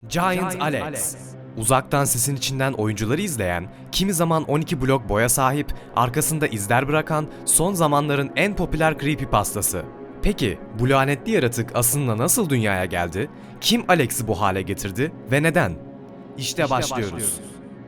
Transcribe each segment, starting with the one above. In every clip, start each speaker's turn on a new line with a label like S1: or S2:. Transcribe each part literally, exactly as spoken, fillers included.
S1: Giant Alex. Uzaktan sesin içinden oyuncuları izleyen, kimi zaman on iki blok boya sahip, arkasında izler bırakan son zamanların en popüler creepypastası. Peki bu lanetli yaratık aslında nasıl dünyaya geldi? Kim Alex'i bu hale getirdi ve neden? İşte, işte başlıyoruz. başlıyoruz.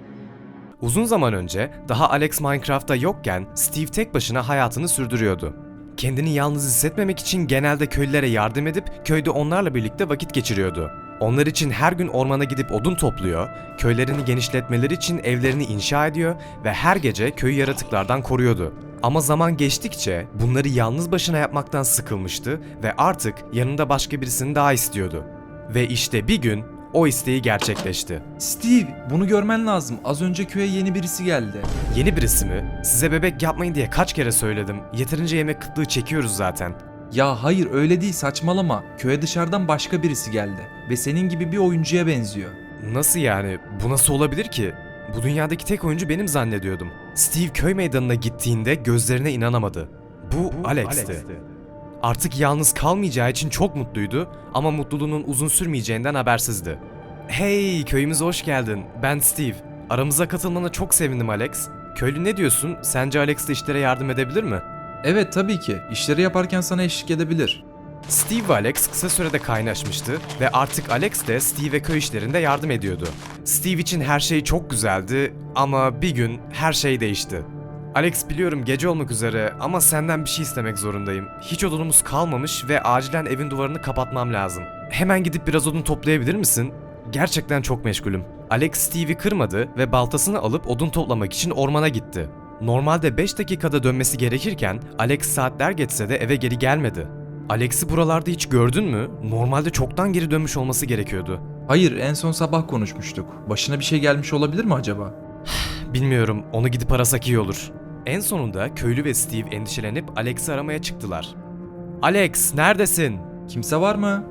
S1: Uzun zaman önce, daha Alex Minecraft'ta yokken Steve tek başına hayatını sürdürüyordu. Kendini yalnız hissetmemek için genelde köylülere yardım edip köyde onlarla birlikte vakit geçiriyordu. Onlar için her gün ormana gidip odun topluyor, köylerini genişletmeleri için evlerini inşa ediyor ve her gece köyü yaratıklardan koruyordu. Ama zaman geçtikçe bunları yalnız başına yapmaktan sıkılmıştı ve artık yanında başka birisini daha istiyordu. Ve işte bir gün o isteği gerçekleşti.
S2: Steve, bunu görmen lazım. Az önce köye yeni birisi geldi.
S1: Yeni birisi mi? Size bebek yapmayın diye kaç kere söyledim. Yeterince yemek kıtlığı çekiyoruz zaten.
S2: Ya hayır, öyle değil, saçmalama. Köye dışarıdan başka birisi geldi ve senin gibi bir oyuncuya benziyor.
S1: Nasıl yani? Bu nasıl olabilir ki? Bu dünyadaki tek oyuncu benim zannediyordum. Steve köy meydanına gittiğinde gözlerine inanamadı. Bu, Bu Alex'ti. Alex'ti. Artık yalnız kalmayacağı için çok mutluydu ama mutluluğunun uzun sürmeyeceğinden habersizdi. Hey, köyümüze hoş geldin. Ben Steve. Aramıza katılmana çok sevindim Alex. Köylü ne diyorsun? Sence Alex de işlere yardım edebilir mi?
S2: Evet, tabii ki. İşleri yaparken sana eşlik edebilir.
S1: Steve ve Alex kısa sürede kaynaşmıştı ve artık Alex de Steve'e köy işlerinde yardım ediyordu. Steve için her şey çok güzeldi ama bir gün her şey değişti. Alex, biliyorum gece olmak üzere ama senden bir şey istemek zorundayım. Hiç odunumuz kalmamış ve acilen evin duvarını kapatmam lazım. Hemen gidip biraz odun toplayabilir misin? Gerçekten çok meşgulüm. Alex Steve'i kırmadı ve baltasını alıp odun toplamak için ormana gitti. Normalde beş dakikada dönmesi gerekirken Alex saatler geçse de eve geri gelmedi. Alex'i buralarda hiç gördün mü? Normalde çoktan geri dönmüş olması gerekiyordu.
S2: Hayır, en son sabah konuşmuştuk. Başına bir şey gelmiş olabilir mi acaba?
S1: Bilmiyorum, onu gidip arasak iyi olur. En sonunda köylü ve Steve endişelenip Alex'i aramaya çıktılar. Alex, neredesin?
S2: Kimse var mı?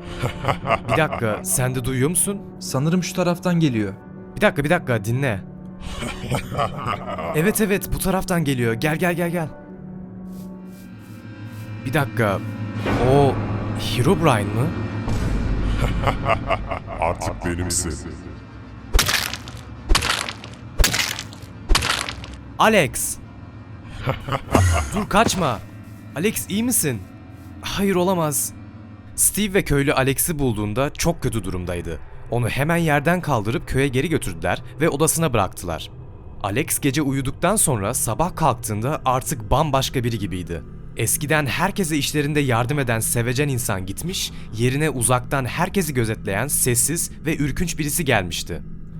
S1: Bir dakika, sen de duyuyor musun?
S2: Sanırım şu taraftan geliyor.
S1: Bir dakika, bir dakika, dinle. Evet evet, bu taraftan geliyor. Gel gel gel gel. Bir dakika, o Herobrine mı?
S3: Artık benimsin.
S1: Alex! Dur, kaçma. Alex, iyi misin? Hayır, olamaz. Steve ve köylü Alex'i bulduğunda çok kötü durumdaydı. Onu hemen yerden kaldırıp köye geri götürdüler ve odasına bıraktılar. Alex gece uyuduktan sonra sabah kalktığında artık bambaşka biri gibiydi. Eskiden herkese işlerinde yardım eden sevecen insan gitmiş, yerine uzaktan herkesi gözetleyen sessiz ve ürkünç birisi gelmişti.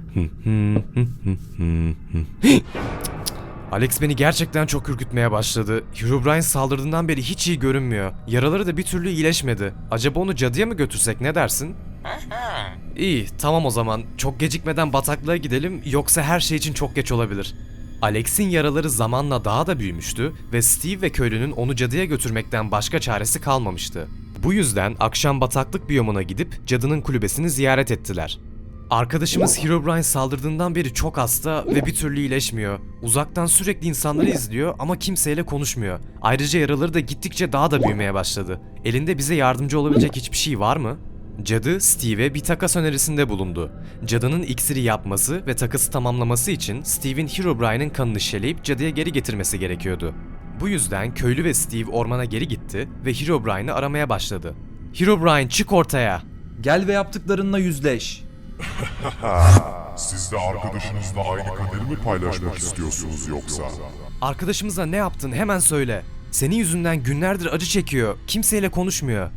S1: Alex beni gerçekten çok ürkütmeye başladı. Herobrine saldırdığından beri hiç iyi görünmüyor. Yaraları da bir türlü iyileşmedi. Acaba onu cadıya mı götürsek, ne dersin? İyi, tamam o zaman. Çok gecikmeden bataklığa gidelim, yoksa her şey için çok geç olabilir. Alex'in yaraları zamanla daha da büyümüştü ve Steve ve köylünün onu cadıya götürmekten başka çaresi kalmamıştı. Bu yüzden akşam bataklık biyomuna gidip cadının kulübesini ziyaret ettiler. Arkadaşımız Herobrine saldırdığından beri çok hasta ve bir türlü iyileşmiyor. Uzaktan sürekli insanları izliyor ama kimseyle konuşmuyor. Ayrıca yaraları da gittikçe daha da büyümeye başladı. Elinde bize yardımcı olabilecek hiçbir şey var mı? Cadı, Steve'e bir takas önerisinde bulundu. Cadının iksiri yapması ve takası tamamlaması için Steve'in Herobrine'in kanını şeleyip cadıya geri getirmesi gerekiyordu. Bu yüzden köylü ve Steve ormana geri gitti ve Herobrine'ı aramaya başladı. Herobrine, çık ortaya!
S2: Gel ve yaptıklarınla yüzleş.
S3: Siz de arkadaşınızla aynı kaderi mi paylaşmak istiyorsunuz yoksa?
S1: Arkadaşımıza ne yaptın, hemen söyle. Senin yüzünden günlerdir acı çekiyor, kimseyle konuşmuyor.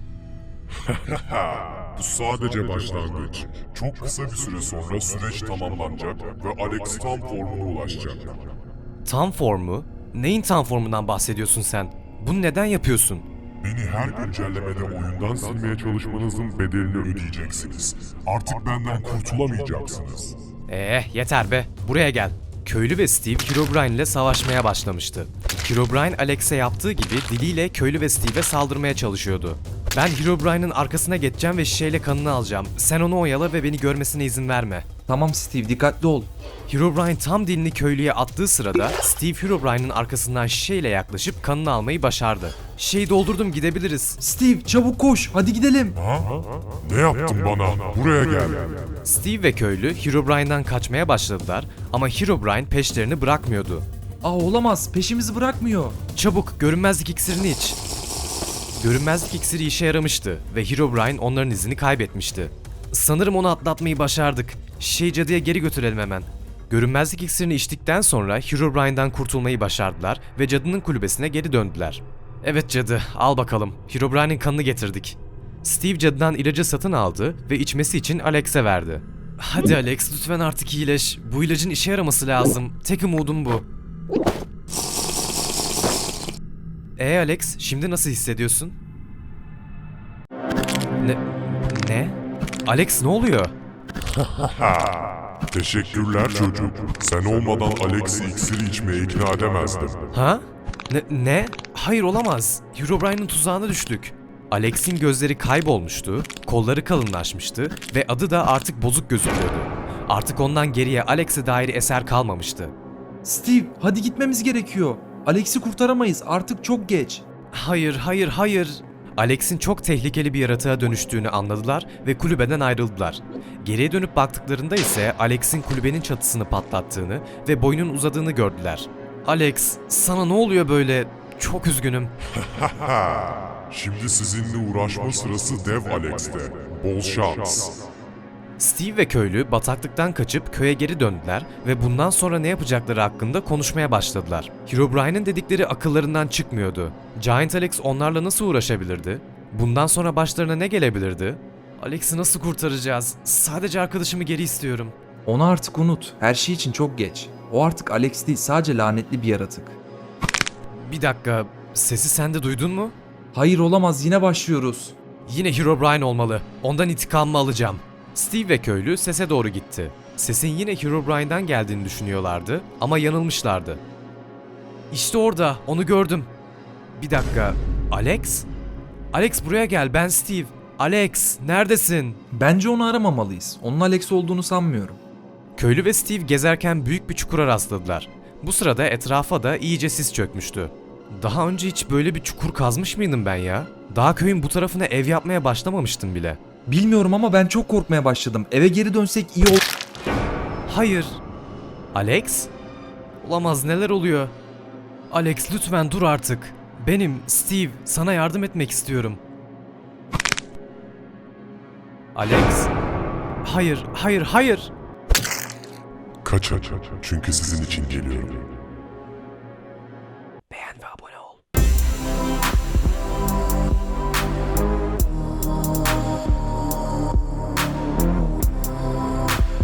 S3: Bu sadece başlangıç. Çok kısa bir süre sonra süreç tamamlanacak ve Alex tam formuna ulaşacak.
S1: Tam formu? Neyin tam formundan bahsediyorsun sen? Bunu neden yapıyorsun?
S3: Beni her güncellemede oyundan silmeye çalışmanızın bedelini ödeyeceksiniz. Artık benden kurtulamayacaksınız.
S1: Eh, yeter be, buraya gel. Köylü ve Steve Herobrine ile savaşmaya başlamıştı. Herobrine Alex'e yaptığı gibi diliyle köylü ve Steve'e saldırmaya çalışıyordu. Ben Herobrine'ın arkasına geçeceğim ve şişeyle kanını alacağım. Sen onu oyala ve beni görmesine izin verme.
S2: Tamam Steve, dikkatli ol.
S1: Herobrine tam dilini köylüye attığı sırada Steve Herobrine'ın arkasından şişeyle yaklaşıp kanını almayı başardı. Şişeyi doldurdum, gidebiliriz.
S2: Steve çabuk koş, hadi gidelim.
S3: Ha? Ne yaptın bana? Buraya gel.
S1: Steve ve köylü Herobrine'den kaçmaya başladılar ama Herobrine peşlerini bırakmıyordu.
S2: Aa olamaz, peşimizi bırakmıyor.
S1: Çabuk görünmezlik iksirini iç. Görünmezlik iksiri işe yaramıştı ve Herobrine onların izini kaybetmişti. Sanırım onu atlatmayı başardık. Şişeyi cadıya geri götürelim hemen. Görünmezlik iksirini içtikten sonra Herobrine'den kurtulmayı başardılar ve cadının kulübesine geri döndüler. Evet cadı, al bakalım. Herobrine'in kanını getirdik. Steve cadıdan ilacı satın aldı ve içmesi için Alex'e verdi. Hadi Alex, lütfen artık iyileş. Bu ilacın işe yaraması lazım. Tek umudum bu. Ee Alex, şimdi nasıl hissediyorsun? Ne? Ne? Alex ne oluyor?
S3: Teşekkürler çocuk. Sen olmadan Alex'i iksiri içmeye ikna edemezdim.
S1: Ha? Ne? Ne? Hayır olamaz. Herobrine'in tuzağına düştük. Alex'in gözleri kaybolmuştu, kolları kalınlaşmıştı ve adı da artık bozuk gözüküyordu. Artık ondan geriye Alex'e dair eser kalmamıştı.
S2: Steve, hadi gitmemiz gerekiyor. Alex'i kurtaramayız, artık çok geç.
S1: Hayır, hayır, hayır. Alex'in çok tehlikeli bir yaratığa dönüştüğünü anladılar ve kulübeden ayrıldılar. Geriye dönüp baktıklarında ise Alex'in kulübenin çatısını patlattığını ve boynun uzadığını gördüler. Alex, sana ne oluyor böyle? Çok üzgünüm.
S3: Şimdi sizinle uğraşma sırası Dev Alex'te. Bol şans.
S1: Steve ve köylü bataklıktan kaçıp köye geri döndüler ve bundan sonra ne yapacakları hakkında konuşmaya başladılar. Herobrine'in dedikleri akıllarından çıkmıyordu. Giant Alex onlarla nasıl uğraşabilirdi? Bundan sonra başlarına ne gelebilirdi? Alex'i nasıl kurtaracağız? Sadece arkadaşımı geri istiyorum.
S2: Onu artık unut, her şey için çok geç. O artık Alex değil, sadece lanetli bir yaratık.
S1: Bir dakika, sesi sen de duydun mu?
S2: Hayır olamaz, yine başlıyoruz.
S1: Yine Herobrine olmalı. Ondan intikamımı alacağım. Steve ve köylü sese doğru gitti. Sesin yine Herobrine'den geldiğini düşünüyorlardı ama yanılmışlardı. İşte orada, onu gördüm. Bir dakika, Alex? Alex buraya gel, ben Steve. Alex, neredesin?
S2: Bence onu aramamalıyız. Onun Alex olduğunu sanmıyorum.
S1: Köylü ve Steve gezerken büyük bir çukura rastladılar. Bu sırada etrafa da iyice sis çökmüştü. Daha önce hiç böyle bir çukur kazmış mıydım ben ya? Daha köyün bu tarafına ev yapmaya başlamamıştım bile.
S2: Bilmiyorum ama ben çok korkmaya başladım. Eve geri dönsek iyi olur.
S1: Hayır. Alex? Olamaz, neler oluyor? Alex lütfen dur artık. Benim, Steve, sana yardım etmek istiyorum. Alex? Hayır, hayır, hayır.
S3: Kaçın çünkü sizin için geliyorum.